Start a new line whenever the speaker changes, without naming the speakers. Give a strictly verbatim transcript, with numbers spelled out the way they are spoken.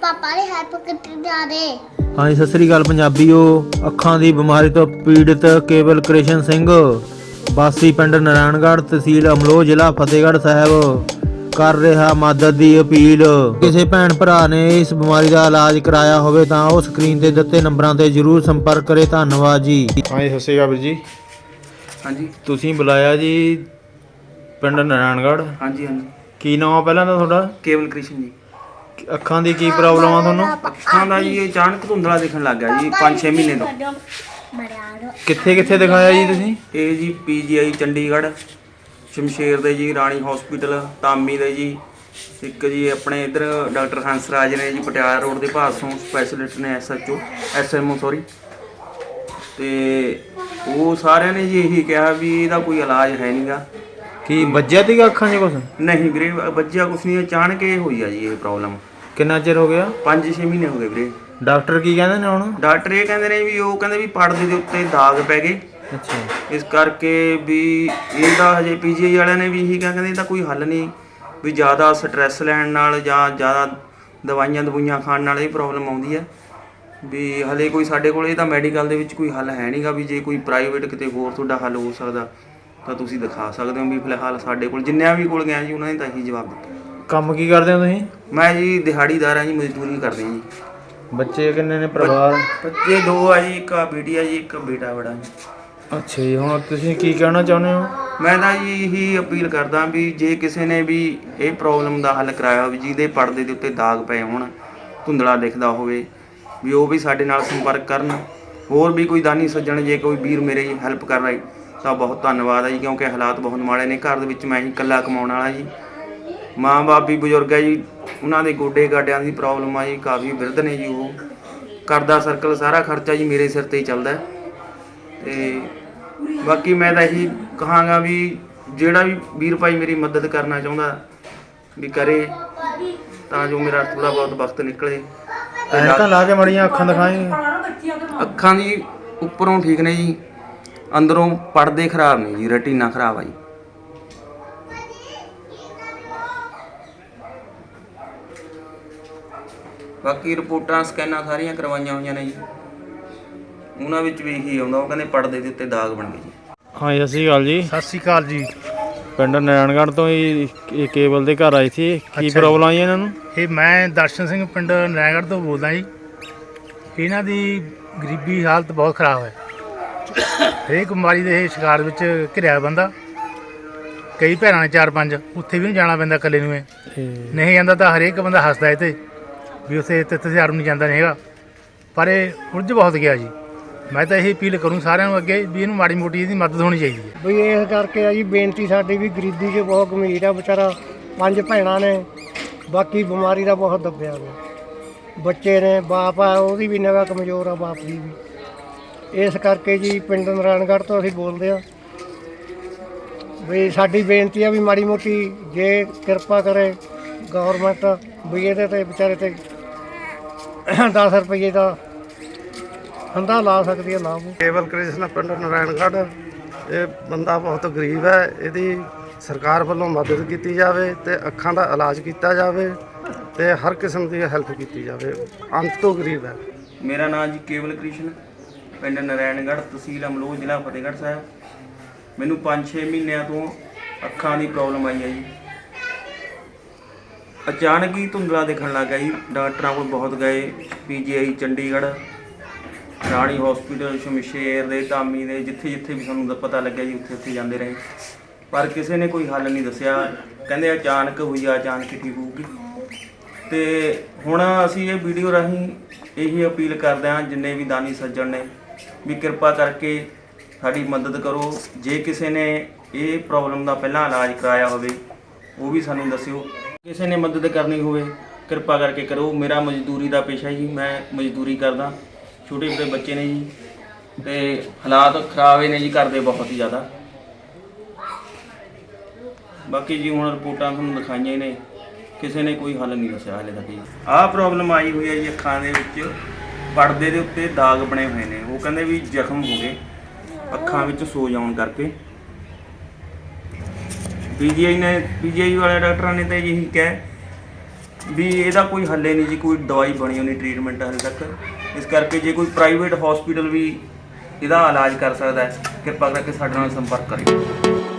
ਪਾਪਾ ਨੇ ਹੈਲਪ ਕੀਤੀ ਜਾਦੇ।
ਹਾਂਜੀ ਸਤਿ ਸ੍ਰੀ ਅਕਾਲ ਪੰਜਾਬੀਓ। ਅੱਖਾਂ ਦੀ ਬਿਮਾਰੀ ਤੋਂ ਪੀੜਿਤ ਕੇਵਲ ਕ੍ਰਿਸ਼ਨ ਸਿੰਘ ਵਾਸੀ ਪਿੰਡ ਨਾਰਾਇਣਗੜ੍ਹ ਤਹਿਸੀਲ ਅਮਲੋਹ ਜ਼ਿਲ੍ਹਾ ਫਤਿਹਗੜ੍ਹ ਸਾਹਿਬ ਕਰ ਰਿਹਾ ਮਦਦ ਦੀ ਅਪੀਲ। ਕਿਸੇ ਭੈਣ ਭਰਾ ਨੇ ਇਸ ਬਿਮਾਰੀ ਦਾ ਇਲਾਜ ਕਰਾਇਆ ਹੋਵੇ ਤਾਂ ਉਹ ਸਕਰੀਨ ਤੇ ਦਿੱਤੇ ਨੰਬਰਾਂ ਤੇ ਜ਼ਰੂਰ ਸੰਪਰਕ ਕਰੇ। ਧੰਨਵਾਦ ਜੀ। ਹਾਂਜੀ ਸਤਿ ਸ੍ਰੀ ਅਕਾਲ ਵੀਰ ਜੀ।
ਹਾਂਜੀ
ਤੁਸੀਂ ਬੁਲਾਇਆ ਜੀ ਪਿੰਡ ਨਾਰਾਇਣਗੜ੍ਹ।
ਹਾਂਜੀ ਹਾਂਜੀ
ਕੀ ਨਾਮ ਆ ਪਹਿਲਾਂ ਤਾਂ ਤੁਹਾਡਾ?
ਕੇਵਲ ਕ੍ਰਿਸ਼ਨ ਜੀ।
ਅੱਖਾਂ ਦੀ ਕੀ ਪ੍ਰੋਬਲਮ ਆ ਤੁਹਾਨੂੰ?
ਅੱਖਾਂ ਦਾ ਜੀ ਅਚਾਨਕ ਧੁੰਦਲਾ ਦਿਖਣ ਲੱਗ ਗਿਆ ਜੀ ਪੰਜ ਛੇ ਮਹੀਨੇ ਤੋਂ।
ਕਿੱਥੇ ਕਿੱਥੇ ਦਿਖਾਇਆ ਜੀ ਤੁਸੀਂ?
ਇਹ ਜੀ ਪੀ ਜੀ ਆਈ ਚੰਡੀਗੜ੍ਹ, ਸ਼ਮਸ਼ੇਰ ਦੇ ਜੀ, ਰਾਣੀ ਹਸਪੀਟਲ, ਤਾਮੀ ਦੇ ਜੀ, ਇੱਕ ਜੀ ਆਪਣੇ ਇੱਧਰ ਡਾਕਟਰ ਹੰਸਰਾਜ ਨੇ ਜੀ ਪਟਿਆਲਾ ਰੋਡ ਦੇ ਭਾਸੋਂ ਸਪੈਸ਼ਲਿਸਟ ਨੇ, S H O S M O sorry. ਤੇ ਉਹ ਸਾਰਿਆਂ ਨੇ ਜੀ ਇਹੀ ਕਿਹਾ ਵੀ ਇਹਦਾ ਕੋਈ ਇਲਾਜ ਹੈ ਨਹੀਂਗਾ।
ਕੀ ਵੱਜਿਆ ਸੀਗਾ ਅੱਖਾਂ 'ਚ ਕੁਛ?
ਨਹੀਂ ਵੀਰੇ ਬੱਚਿਆ ਕੁਛ ਨਹੀਂ, ਅਚਾਨਕ ਇਹ ਹੋਈ ਆ ਜੀ ਇਹ ਪ੍ਰੋਬਲਮ।
ਕਿੰਨਾ ਚਿਰ ਹੋ ਗਿਆ?
ਪੰਜ ਛੇ ਮਹੀਨੇ ਹੋ ਗਏ ਵੀਰੇ।
ਡਾਕਟਰ ਕੀ ਕਹਿੰਦੇ ਨੇ ਹੁਣ?
ਡਾਕਟਰ ਇਹ ਕਹਿੰਦੇ ਨੇ ਵੀ ਉਹ ਕਹਿੰਦੇ ਵੀ ਪਰਦੇ ਦੇ ਉੱਤੇ ਦਾਗ ਪੈ ਗਏ।
ਅੱਛਾ।
ਇਸ ਕਰਕੇ ਵੀ ਇਹਦਾ ਹਜੇ ਪੀ ਜੀ ਆਈ ਵਾਲਿਆਂ ਨੇ ਵੀ ਇਹੀ ਕਿਹਾ, ਕਹਿੰਦੇ ਇਹਦਾ ਕੋਈ ਹੱਲ ਨਹੀਂ, ਵੀ ਜ਼ਿਆਦਾ ਸਟ੍ਰੈਸ ਲੈਣ ਨਾਲ ਜਾਂ ਜ਼ਿਆਦਾ ਦਵਾਈਆਂ ਦਵਾਈਆਂ ਖਾਣ ਨਾਲ ਇਹ ਪ੍ਰੋਬਲਮ ਆਉਂਦੀ ਹੈ। ਵੀ ਹਲੇ ਕੋਈ ਸਾਡੇ ਕੋਲ ਇਹਦਾ ਮੈਡੀਕਲ ਦੇ ਵਿੱਚ ਕੋਈ ਹੱਲ ਹੈ ਨਹੀਂਗਾ। ਵੀ ਜੇ ਕੋਈ ਪ੍ਰਾਈਵੇਟ ਕਿਤੇ ਹੋਰ ਤੁਹਾਡਾ ਹੱਲ ਹੋ ਸਕਦਾ ਤਾਂ ਤੁਸੀਂ ਦਿਖਾ ਸਕਦੇ ਹੋ। ਵੀ ਫਿਲਹਾਲ ਸਾਡੇ ਕੋਲ ਜਿੰਨਿਆਂ ਵੀ ਕੋਲ ਗਿਆ ਜੀ ਉਹਨਾਂ ਨੇ ਤਾਂ ਇਹੀ ਜਵਾਬ ਦਿੱਤਾ।
ਕੰਮ ਕੀ ਕਰਦੇ ਹੋ ਤੁਸੀਂ?
ਮੈਂ ਜੀ ਦਿਹਾੜੀਦਾਰ ਹਾਂ ਜੀ, ਮਜ਼ਦੂਰੀ ਕਰਦੇ ਹਾਂ ਜੀ।
ਬੱਚੇ ਕਿੰਨੇ ਨੇ? ਪਰਿਵਾਰ?
ਬੱਚੇ ਦੋ ਆ ਜੀ, ਇੱਕ ਆ ਬੇਟੀ ਆ ਜੀ, ਇੱਕ ਬੇਟਾ ਬੜਾ ਜੀ।
ਅੱਛਾ ਜੀ। ਹੁਣ ਤੁਸੀਂ ਕੀ ਕਹਿਣਾ ਚਾਹੁੰਦੇ ਹੋ?
ਮੈਂ ਤਾਂ ਜੀ ਇਹੀ ਅਪੀਲ ਕਰਦਾ ਵੀ ਜੇ ਕਿਸੇ ਨੇ ਵੀ ਇਹ ਪ੍ਰੋਬਲਮ ਦਾ ਹੱਲ ਕਰਾਇਆ ਹੋਵੇ, ਜਿਹਦੇ ਪਰਦੇ ਦੇ ਉੱਤੇ ਦਾਗ ਪਏ ਹੋਣ, ਧੁੰਦਲਾ ਦਿਖਦਾ ਹੋਵੇ, ਵੀ ਉਹ ਵੀ ਸਾਡੇ ਨਾਲ ਸੰਪਰਕ ਕਰਨ। ਹੋਰ ਵੀ ਕੋਈ ਦਾਨੀ ਸੱਜਣ ਜੇ ਕੋਈ ਵੀਰ ਮੇਰੇ ਹੈਲਪ ਕਰ ਰਹੇ ਤਾਂ ਬਹੁਤ ਧੰਨਵਾਦ ਹੈ ਜੀ, ਕਿਉਂਕਿ ਹਾਲਾਤ ਬਹੁਤ ਮਾੜੇ ਨੇ। ਘਰ ਦੇ ਵਿੱਚ ਮੈਂ ਹੀ ਇਕੱਲਾ ਕਮਾਉਣ ਵਾਲਾ ਜੀ। ਮਾਂ ਬਾਪ ਵੀ ਬਜ਼ੁਰਗ ਹੈ ਜੀ, ਉਹਨਾਂ ਦੇ ਗੋਡੇ ਗਾਡਿਆਂ ਦੀ ਪ੍ਰੋਬਲਮ ਆ ਜੀ, ਕਾਫੀ ਬਿਰਧ ਨੇ ਜੀ। ਉਹ ਘਰ ਦਾ ਸਰਕਲ ਸਾਰਾ ਖਰਚਾ ਜੀ ਮੇਰੇ ਸਿਰ 'ਤੇ ਹੀ ਚੱਲਦਾ। ਅਤੇ ਬਾਕੀ ਮੈਂ ਤਾਂ ਇਹੀ ਕਹਾਂਗਾ ਵੀ ਜਿਹੜਾ ਵੀ ਵੀਰ ਭਾਈ ਮੇਰੀ ਮਦਦ ਕਰਨਾ ਚਾਹੁੰਦਾ ਵੀ ਕਰੇ, ਤਾਂ ਜੋ ਮੇਰਾ ਥੋੜ੍ਹਾ ਬਹੁਤ ਵਕਤ ਨਿਕਲੇ।
ਐਨਕਾਂ ਲਾ ਕੇ ਮੜੀਆਂ ਅੱਖਾਂ ਦਿਖਾਏਂ?
ਅੱਖਾਂ ਦੀ ਉੱਪਰੋਂ ਠੀਕ ਨੇ ਜੀ, ਅੰਦਰੋਂ ਪਰਦੇ ਖਰਾਬ ਨੇ ਜੀ, ਰੈਟੀਨਾ ਖਰਾਬ ਆ ਜੀ। ਬਾਕੀ ਰਿਪੋਰਟਾਂ ਸਕੈਨਾਂ ਸਾਰੀਆਂ ਕਰਵਾਈਆਂ ਹੋਈਆਂ ਨੇ ਜੀ, ਉਹਨਾਂ ਵਿੱਚ ਵੀ ਇਹੀ ਆਉਂਦਾ, ਉਹ ਕਹਿੰਦੇ ਪਰਦੇ ਦੇ ਉੱਤੇ ਦਾਗ ਬਣ ਗਏ ਜੀ।
ਹਾਂ ਸਤਿ ਸ਼੍ਰੀ ਅਕਾਲ ਜੀ।
ਸਤਿ ਸ਼੍ਰੀ ਅਕਾਲ ਜੀ।
ਪਿੰਡ ਨਾਰਾਇਣਗੜ੍ਹ ਤੋਂ ਹੀ ਇਹ ਕੇਬਲ ਦੇ ਘਰ ਆਏ ਸੀ। ਕੀ
ਅੱਛਾ
ਪ੍ਰੋਬਲਮ ਆਈ ਇਹਨਾਂ ਨੂੰ?
ਇਹ ਮੈਂ ਦਰਸ਼ਨ ਸਿੰਘ ਪਿੰਡ ਨਾਰਾਇਣਗੜ੍ਹ ਤੋਂ ਬੋਲਦਾ ਜੀ। ਇਹਨਾਂ ਦੀ ਗਰੀਬੀ ਹਾਲਤ ਬਹੁਤ ਖਰਾਬ ਹੈ। ਹਰੇਕ ਬਿਮਾਰੀ ਦੇ ਇਹ ਸ਼ਿਕਾਰ ਵਿੱਚ ਘਿਰਿਆ ਬੰਦਾ। ਕਈ ਭੈਣਾਂ ਨੇ ਚਾਰ ਪੰਜ, ਉੱਥੇ ਵੀ ਨਹੀਂ ਜਾਣਾ ਪੈਂਦਾ ਇਕੱਲੇ ਨੂੰ। ਇਹ ਨਹੀਂ ਜਾਂਦਾ ਤਾਂ ਹਰੇਕ ਬੰਦਾ ਹੱਸਦਾ ਇਹ 'ਤੇ ਵੀ ਉੱਥੇ ਤਿੱਥ ਤਿਉਹਾਰ ਨੂੰ ਨਹੀਂ ਜਾਂਦਾ ਨਹੀਂ ਹੈਗਾ, ਪਰ ਇਹ ਉਲਝ ਬਹੁਤ ਗਿਆ ਜੀ। ਮੈਂ ਤਾਂ ਇਹ ਅਪੀਲ ਕਰੂੰ ਸਾਰਿਆਂ ਨੂੰ ਅੱਗੇ ਵੀ ਇਹਨੂੰ ਮਾੜੀ ਮੋਟੀ ਇਹਦੀ ਮਦਦ ਹੋਣੀ ਚਾਹੀਦੀ ਹੈ।
ਬਈ ਇਸ ਕਰਕੇ ਆ ਜੀ ਬੇਨਤੀ ਸਾਡੀ ਵੀ ਗਰੀਬੀ 'ਚ ਬਹੁਤ ਗੰਭੀਰ ਆ ਵਿਚਾਰਾ। ਪੰਜ ਭੈਣਾਂ ਨੇ, ਬਾਕੀ ਬਿਮਾਰੀ ਦਾ ਬਹੁਤ ਦੱਬਿਆ ਹੋਇਆ। ਬੱਚੇ ਨੇ, ਬਾਪ ਆ ਉਹਦੀ ਵੀ ਨਿਗਾਹ ਕਮਜ਼ੋਰ ਆ, ਬਾਪ ਦੀ ਵੀ। ਇਸ ਕਰਕੇ ਜੀ ਪਿੰਡ ਨਾਰਾਇਣਗੜ੍ਹ ਤੋਂ ਅਸੀਂ ਬੋਲਦੇ ਹਾਂ ਵੀ ਸਾਡੀ ਬੇਨਤੀ ਆ ਵੀ ਮਾੜੀ ਮੋਟੀ ਜੇ ਕਿਰਪਾ ਕਰੇ ਗੌਰਮੈਂਟ ਵੀ ਇਹਦੇ 'ਤੇ ਵਿਚਾਰੇ 'ਤੇ ਦਸ ਰੁਪਈਏ ਦਾ ਹੰਦਾ ਲਾ ਸਕਦੀ ਹੈ। ਲਾਭ
ਕੇਵਲ ਕ੍ਰਿਸ਼ਨ ਪਿੰਡ ਨਾਰਾਇਣਗੜ੍ਹ। ਇਹ ਬੰਦਾ ਬਹੁਤ ਗਰੀਬ ਹੈ, ਇਹਦੀ ਸਰਕਾਰ ਵੱਲੋਂ ਮਦਦ ਕੀਤੀ ਜਾਵੇ ਅਤੇ ਅੱਖਾਂ ਦਾ ਇਲਾਜ ਕੀਤਾ ਜਾਵੇ ਅਤੇ ਹਰ ਕਿਸਮ ਦੀ ਹੈਲਪ ਕੀਤੀ ਜਾਵੇ। ਅੰਤ ਤੋਂ ਗਰੀਬ ਹੈ।
ਮੇਰਾ ਨਾਮ ਜੀ ਕੇਵਲ ਕ੍ਰਿਸ਼ਨ, ਪਿੰਡ ਨਾਰਾਇਣਗੜ੍ਹ, ਤਹਿਸੀਲ ਅਮਲੋਹ, ਜ਼ਿਲ੍ਹਾ ਫਤਿਹਗੜ੍ਹ ਸਾਹਿਬ। ਮੈਨੂੰ ਪੰਜ ਛੇ ਮਹੀਨਿਆਂ ਤੋਂ ਅੱਖਾਂ ਦੀ ਪ੍ਰੋਬਲਮ ਆਈ ਹੈ ਜੀ। ਅਚਾਨਕ ਹੀ ਧੁੰਦਲਾ ਦਿਖਣ ਲੱਗ ਗਿਆ ਜੀ। ਡਾਕਟਰਾਂ ਕੋਲ ਬਹੁਤ ਗਏ, P G I Chandigarh, Rani hospital, Shamsher ਦੇ, ਤਾਮੀ ਦੇ, ਜਿੱਥੇ ਜਿੱਥੇ ਵੀ ਸਾਨੂੰ ਪਤਾ ਲੱਗਿਆ ਜੀ ਉੱਥੇ ਉੱਥੇ ਜਾਂਦੇ ਰਹੇ, ਪਰ ਕਿਸੇ ਨੇ ਕੋਈ ਹੱਲ ਨਹੀਂ ਦੱਸਿਆ। ਕਹਿੰਦੇ ਅਚਾਨਕ ਹੋਈ ਆ, ਅਚਾਨਕ ਹੀ ਠੀਕ ਹੋਊਗੀ। ਅਤੇ ਹੁਣ ਅਸੀਂ ਇਹ ਵੀਡੀਓ ਰਾਹੀਂ ਇਹੀ ਅਪੀਲ ਕਰਦੇ ਹਾਂ ਜਿੰਨੇ ਵੀ ਦਾਨੀ ਸੱਜਣ ਨੇ ਵੀ ਕਿਰਪਾ ਕਰਕੇ ਸਾਡੀ ਮਦਦ ਕਰੋ। ਜੇ ਕਿਸੇ ਨੇ ਇਹ ਪ੍ਰੋਬਲਮ ਦਾ ਪਹਿਲਾਂ ਇਲਾਜ ਕਰਾਇਆ ਹੋਵੇ ਉਹ ਵੀ ਸਾਨੂੰ ਦੱਸਿਓ। ਕਿਸੇ ਨੇ ਮਦਦ ਕਰਨੀ ਹੋਵੇ ਕਿਰਪਾ ਕਰਕੇ ਕਰੋ। ਮੇਰਾ ਮਜ਼ਦੂਰੀ ਦਾ ਪੇਸ਼ਾ ਜੀ, ਮੈਂ ਮਜ਼ਦੂਰੀ ਕਰਦਾ। ਛੋਟੇ ਛੋਟੇ ਬੱਚੇ ਨੇ ਜੀ, ਅਤੇ ਹਾਲਾਤ ਖਰਾਬ ਨੇ ਜੀ ਘਰ ਦੇ ਬਹੁਤ ਹੀ ਜ਼ਿਆਦਾ। ਬਾਕੀ ਜੀ ਹੁਣ ਰਿਪੋਰਟਾਂ ਤੁਹਾਨੂੰ ਦਿਖਾਈਆਂ ਹੀ ਨੇ, ਕਿਸੇ ਨੇ ਕੋਈ ਹੱਲ ਨਹੀਂ ਦੱਸਿਆ ਹਾਲੇ ਤੱਕ ਜੀ। ਆਹ ਪ੍ਰੋਬਲਮ ਆਈ ਹੋਈ ਹੈ ਜੀ ਅੱਖਾਂ ਦੇ ਵਿੱਚ, ਪਰਦੇ ਦੇ ਉੱਤੇ ਦਾਗ ਬਣੇ ਹੋਏ ਨੇ। ਉਹ ਕਹਿੰਦੇ ਵੀ ਜ਼ਖਮ ਹੋ ਗਏ ਅੱਖਾਂ ਵਿੱਚ ਸੋਜ ਆਉਣ ਕਰਕੇ। ਪੀ ਜੀ ਆਈ ਨੇ ਪੀ ਜੀ ਆਈ ਵਾਲੇ ਡਾਕਟਰਾਂ ਨੇ ਤਾਂ ਇਹੀ ਕਿਹਾ ਵੀ ਇਹਦਾ ਕੋਈ ਹੱਲੇ ਨਹੀਂ ਜੀ, ਕੋਈ ਦਵਾਈ ਬਣੀ ਹੋਣੀ ਟ੍ਰੀਟਮੈਂਟ ਹਾਲੇ ਤੱਕ। ਇਸ ਕਰਕੇ ਜੇ ਕੋਈ ਪ੍ਰਾਈਵੇਟ ਹਸਪੀਟਲ ਵੀ ਇਹਦਾ ਇਲਾਜ ਕਰ ਸਕਦਾ ਹੈ, ਕਿਰਪਾ ਕਰਕੇ ਸਾਡੇ ਨਾਲ ਸੰਪਰਕ ਕਰਿਓ।